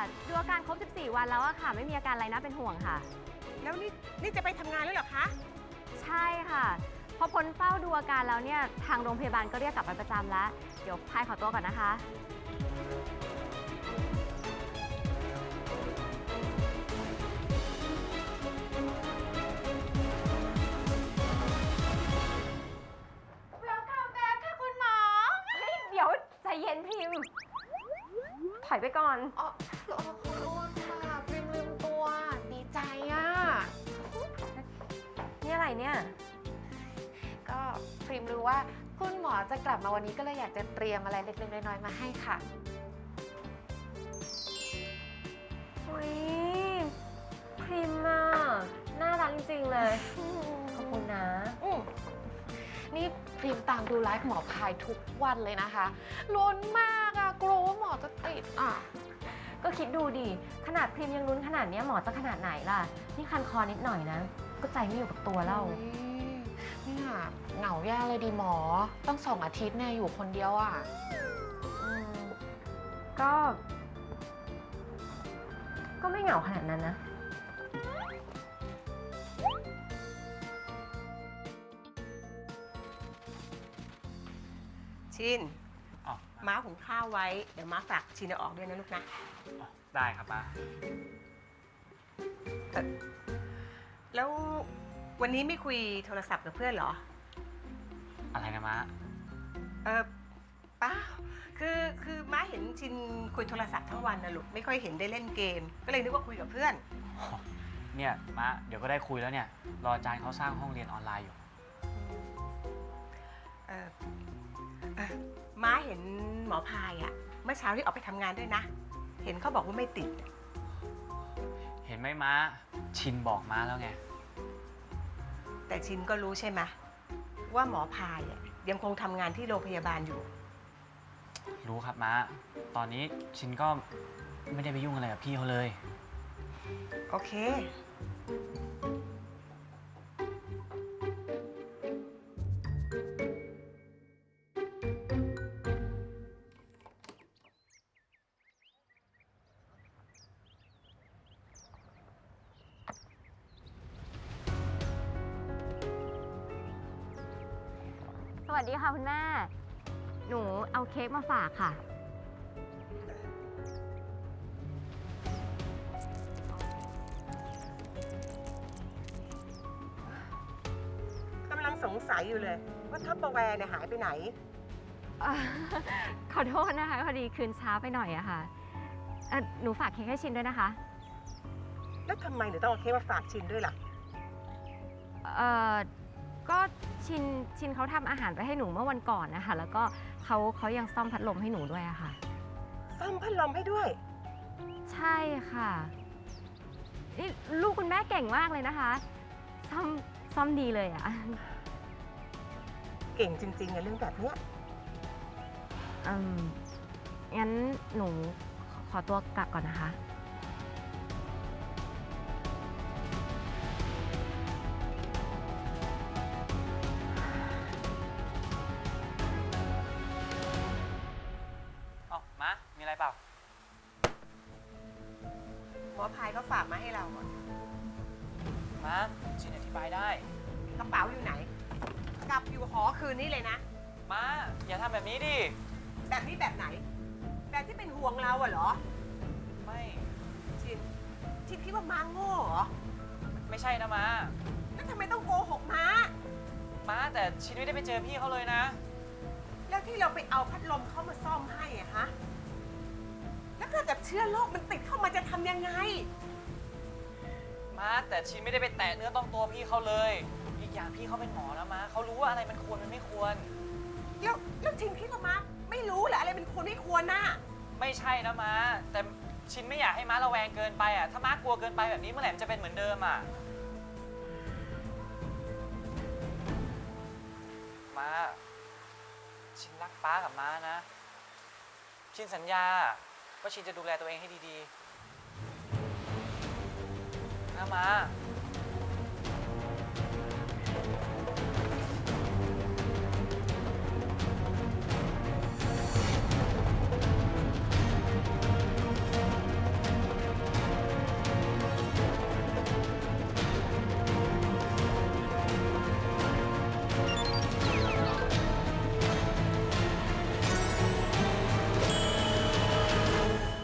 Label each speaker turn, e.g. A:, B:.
A: ดูอาการครบ 14 วันแล้วอะค่ะ ไม่มีอาการอะไรน่าเป็นห่วงค่ะ
B: แล้วนี่จะไปทำงานแล้วเหรอคะ
A: ใช่ค่ะ พอพ้นเฝ้าดูอาการแล้วเนี่ย ทางโรงพยาบาลก็เรียกกลับไปประจำแล้ว เดี๋ยวพายขอตัวก่อนนะคะ
C: Welcome back ค่ะคุณหมอ
A: เฮ้ย เดี๋ยวใจเย็นพิมพ์ ถอยไปก่อน
C: อ๋อขอโทษค่ะพิมลืมตัว ดีใจอ่ะ
A: นี่อะไรเนี่ย
C: ก็พริมรู้ว่าคุณหมอจะกลับมาวันนี้ก็เลยอยากจะเตรียมอะไรเล็กๆน้อยๆมาให้ค่ะ
A: อุ้ยพิมพ์อะน่ารักจริงๆเลย ขอบคุณนะ
C: นี่พริมตามดูไลฟ์หมอพายทุกวันเลยนะคะลุ้นมากอะกลัวว่าหมอจะติดอ่ะ
A: ก็คิดดูดิ ขนาดพิมพ์ยังลุ้นขนาดเนี้ยหมอจะขนาดไหนล่ะ นี่คันคอนิดหน่อยนะ ก็ใจไม่อยู่กับตัวแล้ว
C: อุ๊ยเนี่ยเหงาแย่เลยดีหมอ ต้อง2 อาทิตย์เนี่ยอยู่คนเดียวอ่ะ
A: ก็ ก็ไม่เหงาขนาดนั้นนะ
B: ชิน
D: อ๋อ
B: ม้าหุงข้าวไว้ เดี๋ยวม้าฝากชินเอาออกด้วยนะลูกนะ
D: ได้ครับป้า
B: แล้ววันนี้ไม่คุยโทรศัพท์กับเพื่อนเหรอ
D: อะไรนะม้า
B: เปล่าคือม้าเห็นชินคุยโทรศัพท์ทั้งวันนะลูก ไม่ค่อยเห็นได้เล่นเกม ก็เลยนึกว่าคุยกับเพื่อน
D: เนี่ยม้าเดี๋ยวก็ได้คุยแล้วเนี่ย รออาจารย์เขาสร้างห้องเรียนออนไลน์อยู่
B: เออม้าเห็นหมอพายอะเมื่อเช้าที่ออกไปทำงานด้วยนะ เห็นเขาบอกว่าไม่ติด
D: เห็นไหมม้า ชินบอกม้าแล้วไง
B: แต่ชินก็รู้ใช่ไหมว่าหมอพายอะยังคงทำงานที่โรงพยาบาลอยู่
D: รู้ครับม้า ตอนนี้ชินก็ไม่ได้ไปยุ่งอะไรกับพี่เขาเลย
B: โอเค
A: สวัสดีค่ะคุณแม่ หนูเอาเค้กมาฝากค่ะ
B: กำลังสงสัยอยู่เลย ว่าท็อปเปอร์แวร์เนี่ยหายไปไหน
A: ขอโทษนะคะ พอดีคืนช้าไปหน่อยอะค่ะหนูฝากเค้กให้ชินด้วยนะคะ
B: แล้วทำไมหนูต้องเอาเค้กมาฝากชินด้วยล่ะ
A: ก็ชินเขาทำอาหารไปให้หนูเมื่อวันก่อนนะคะ แล้วก็เขายังซ่อมพัดลมให้หนูด้วยอะค่ะ
B: ซ่อมพัดลมให้ด้วย
A: ใช่ค่ะ นี่ลูกคุณแม่เก่งมากเลยนะคะ ซ่อมดีเลยอะ
B: เก่งจริงๆในเรื่องแบบเนี้ย
A: งั้นหนูขอตัวกลับก่อนนะคะ
D: เอ้าม้า มีอะไรเปล่า
B: หมอพายก็ฝากมาให้เราอะ
D: ม้า ชินอธิบายได้
B: กระเป๋าอยู่ไหน กลับอยู่หอคืนนี้เลยนะ
D: ม้า อย่าทำแบบนี้ดิ
B: แบบนี้แบบไหน แบบที่เป็นห่วงเราอะเหรอ
D: ไม่
B: ชินคิดว่าม้าโง่เหรอ
D: ไม่ใช่นะม้า
B: แล้วทำไมต้องโกหกม้า
D: ม้าแต่ชินไม่ได้ไปเจอพี่เขาเลยนะ
B: แล้วที่เราไปเอาพัดลมเข้ามาซ่อมให้อะฮะ แล้วถ้าเกิดเชื้อโรคมันติดเข้ามาจะทำยังไง
D: ม้าแต่ชินไม่ได้ไปแตะเนื้อต้องตัวพี่เขาเลย อีกอย่างพี่เขาเป็นหมอนะม้าเขารู้ว่าอะไรมันควรมันไม่ควร
B: แล้วชินคิดว่าม้าไม่รู้เหรออะไรเป็นควรไม่ควรน่ะ
D: ไม่ใช่นะม้า แต่ชินไม่อยากให้ม้าระแวงเกินไปอ่ะ ถ้าม้ากลัวเกินไปแบบนี้เมื่อไหร่มันจะเป็นเหมือนเดิมอ่ะ ม้า ชินรักป้ากับม้านะ ชินสัญญาว่าชินจะดูแลตัวเองให้ดีๆนะม้า